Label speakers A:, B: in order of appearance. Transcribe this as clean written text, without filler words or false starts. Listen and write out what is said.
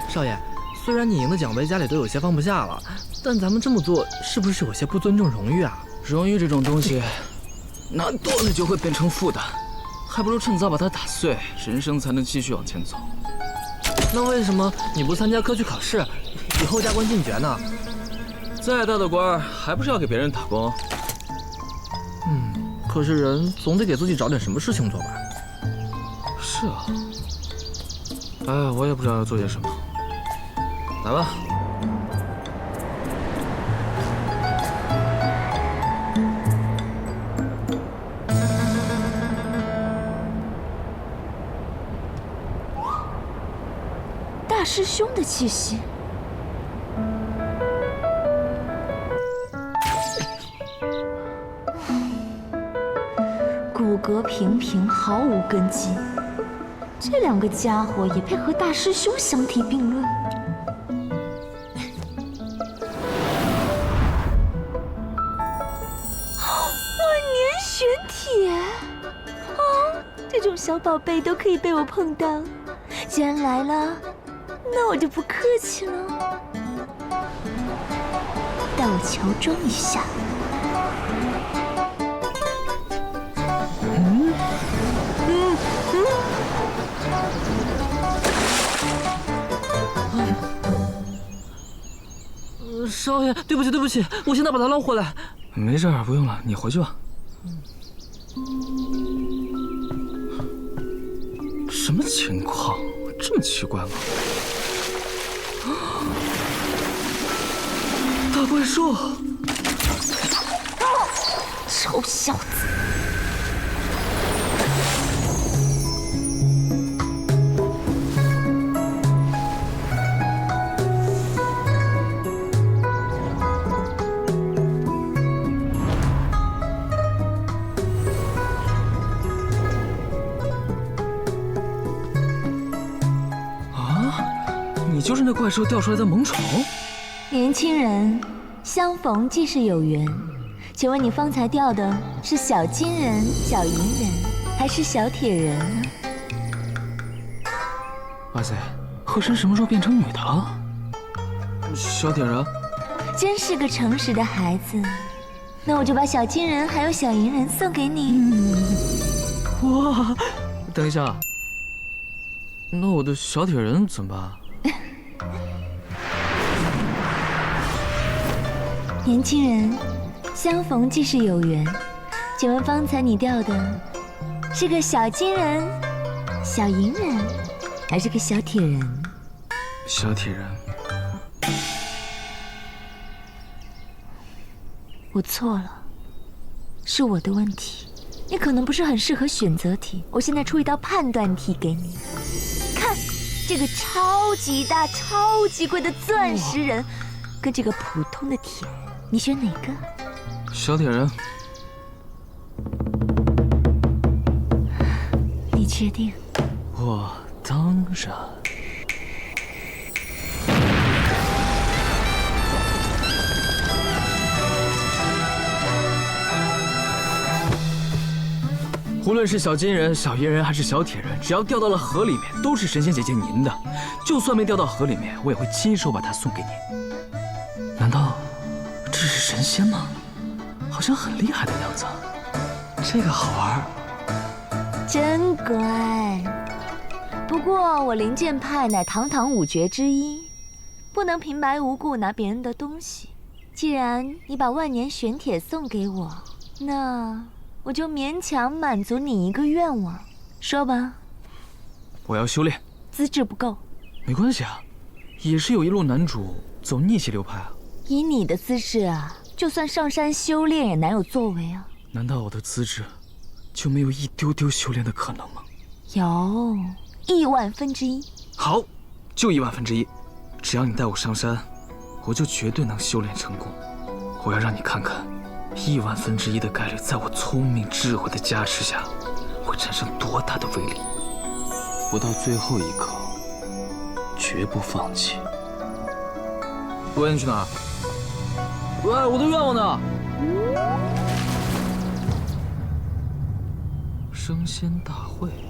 A: 少爷，虽然你赢的奖杯家里都有些放不下了，但咱们这么做是不是有些不尊重荣誉啊？
B: 荣誉这种东西，拿多了就会变成负担，还不如趁早把它打碎，人生才能继续往前走。
A: 那为什么你不参加科举考试，以后加官进爵呢？
B: 再大的官还不是要给别人打工？
A: 可是人总得给自己找点什么事情做吧。
B: 是啊。哎，我也不知道要做些什么。来吧。
C: 大师兄的气息。骨骼平平，毫无根基。这两个家伙也配和大师兄相提并论？万年玄铁！哦，这种小宝贝都可以被我碰到。既然来了，那我就不客气了。带我乔装一下。
A: 少爷，对不起，对不起，我现在把他捞回来。
B: 没事，不用了，你回去吧。什么情况？这么奇怪吗？大怪兽！
C: 臭小子！
B: 你就是那怪兽掉出来的萌宠？
C: 年轻人，相逢即是有缘。请问你方才掉的是小金人、小银人，还是小铁人呢？
B: 哇塞，鹤神什么时候变成女的了？小铁人，
C: 真是个诚实的孩子。那我就把小金人还有小银人送给你。
B: 哇，等一下，那我的小铁人怎么办？
C: 年轻人，相逢即是有缘。请问方才你掉的是个小金人、小银人，还是个小铁人？
B: 小铁人。
C: 我错了，是我的问题。你可能不是很适合选择题，我现在出一道判断题给你。看，这个超级大、超级贵的钻石人，跟这个普通的铁人，你选哪个？
B: 小铁人。
C: 你确定？
B: 我当然。无论是小金人、小银人还是小铁人，只要掉到了河里面，都是神仙姐姐您的。就算没掉到河里面，我也会亲手把它送给您。难道这是神仙吗？好像很厉害的样子。这个好玩。
C: 真乖。不过我灵剑派乃堂堂五绝之一，不能平白无故拿别人的东西。既然你把万年玄铁送给我，那我就勉强满足你一个愿望。说吧。
B: 我要修炼。
C: 资质不够。
B: 没关系啊，也是有一路男主走逆袭流派啊。
C: 以你的资质啊，就算上山修炼也难有作为啊。
B: 难道我的资质就没有一丢丢修炼的可能吗？
C: 有，1000000%。
B: 好，就10000%。只要你带我上山，我就绝对能修炼成功。我要让你看看，1000000%的概率，在我聪明智慧的加持下，会产生多大的威力。不到最后一刻，绝不放弃。喂，你去哪儿？喂，我的愿望呢？升仙大会。